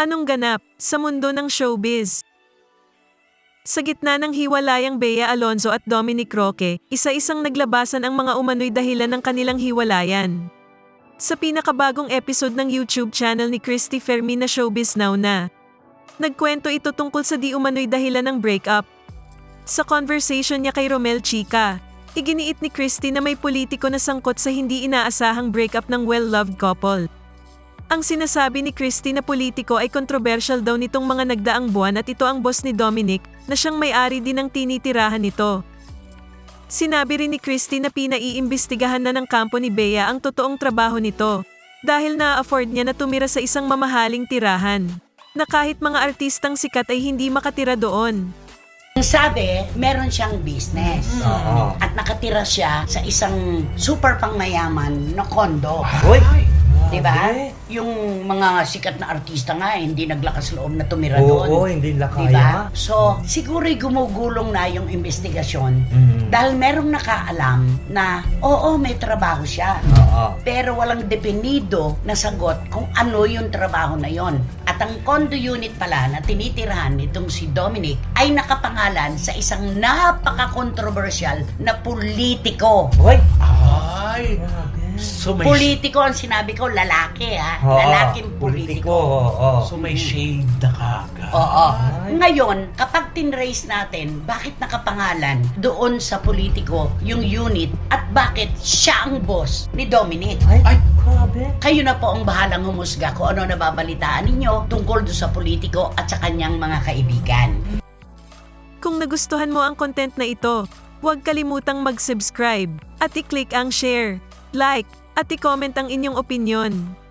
Anong ganap sa mundo ng showbiz? Sa gitna ng hiwalayang Bea Alonzo at Dominic Roque, isa-isang naglabasan ang mga umano'y dahilan ng kanilang hiwalayan. Sa pinakabagong episode ng YouTube channel ni Christy Fermin na Showbiz Now na, nagkwento ito tungkol sa di umano'y dahilan ng breakup. Sa conversation niya kay Romel Chica, iginiit ni Christy na may politiko na sangkot sa hindi inaasahang breakup ng well-loved couple. Ang sinasabi ni Christy na politiko ay controversial daw nitong mga nagdaang buwan at ito ang boss ni Dominic na siyang may-ari din ng tinitirahan nito. Sinabi rin ni Christy na pinaiimbestigahan na ng kampo ni Bea ang totoong trabaho nito dahil na-afford niya na tumira sa isang mamahaling tirahan na kahit mga artistang sikat ay hindi makatira doon. Sabi, meron siyang business at nakatira siya sa isang super pangmayaman na kondo. Diba? Yung mga sikat na artista nga, hindi naglakas loob na tumira doon. Oo, hindi nila kaya. Diba? So, siguro'y gumugulong na yung investigasyon dahil merong nakaalam na, oo, may trabaho siya. Pero walang definido na sagot kung ano yung trabaho na yon. At ang condo unit pala na tinitirahan nitong si Dominic ay nakapangalan sa isang napaka-controversial na politiko. Ay, so may Politiko ang sinabi ko, lalaki ha. Lalaking politiko. So may shade na kagad. Oo. Ngayon, kapag tinrace natin, bakit nakapangalan doon sa politiko yung unit at bakit siya ang boss ni Dominic? Ay, grabe. Kayo na po ang bahalang humusga kung ano nababalitaan ninyo tungkol doon sa politiko at sa kanyang mga kaibigan. Kung nagustuhan mo ang content na ito, huwag kalimutang mag-subscribe at i-click ang share, like, at i-comment ang inyong opinyon.